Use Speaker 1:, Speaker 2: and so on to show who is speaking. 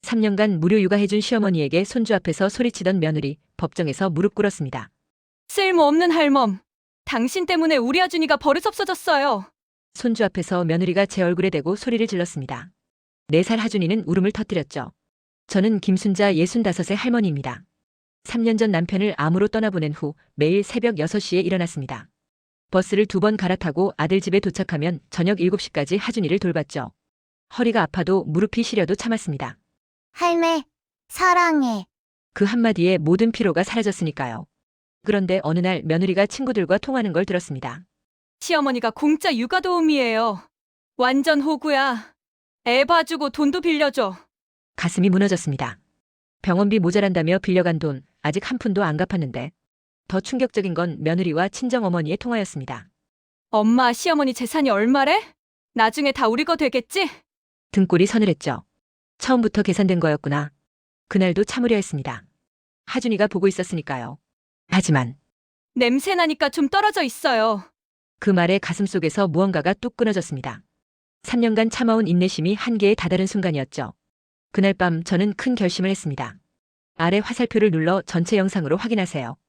Speaker 1: 3년간 무료 육아해준 시어머니에게 손주 앞에서 소리치던 며느리, 법정에서 무릎 꿇었습니다.
Speaker 2: 쓸모없는 할멈. 당신 때문에 우리 아준이가 버릇없어졌어요.
Speaker 1: 손주 앞에서 며느리가 제 얼굴에 대고 소리를 질렀습니다. 4살 하준이는 울음을 터뜨렸죠. 저는 김순자 65의 할머니입니다. 3년 전 남편을 암으로 떠나보낸 후 매일 새벽 6시에 일어났습니다. 버스를 2번 갈아타고 아들 집에 도착하면 저녁 7시까지 하준이를 돌봤죠. 허리가 아파도 무릎이 시려도 참았습니다.
Speaker 3: 할매, 사랑해.
Speaker 1: 그 한마디에 모든 피로가 사라졌으니까요. 그런데 어느 날 며느리가 친구들과 통하는 걸 들었습니다.
Speaker 2: 시어머니가 공짜 육아 도우미예요. 완전 호구야. 애 봐주고 돈도 빌려줘.
Speaker 1: 가슴이 무너졌습니다. 병원비 모자란다며 빌려간 돈 아직 한 푼도 안 갚았는데 더 충격적인 건 며느리와 친정어머니의 통화였습니다.
Speaker 2: 엄마, 시어머니 재산이 얼마래? 나중에 다 우리 거 되겠지?
Speaker 1: 등골이 서늘했죠. 처음부터 계산된 거였구나. 그날도 참으려 했습니다. 하준이가 보고 있었으니까요. 하지만
Speaker 2: 냄새 나니까 좀 떨어져 있어요.
Speaker 1: 그 말에 가슴속에서 무언가가 뚝 끊어졌습니다. 3년간 참아온 인내심이 한계에 다다른 순간이었죠. 그날 밤 저는 큰 결심을 했습니다. 아래 화살표를 눌러 전체 영상으로 확인하세요.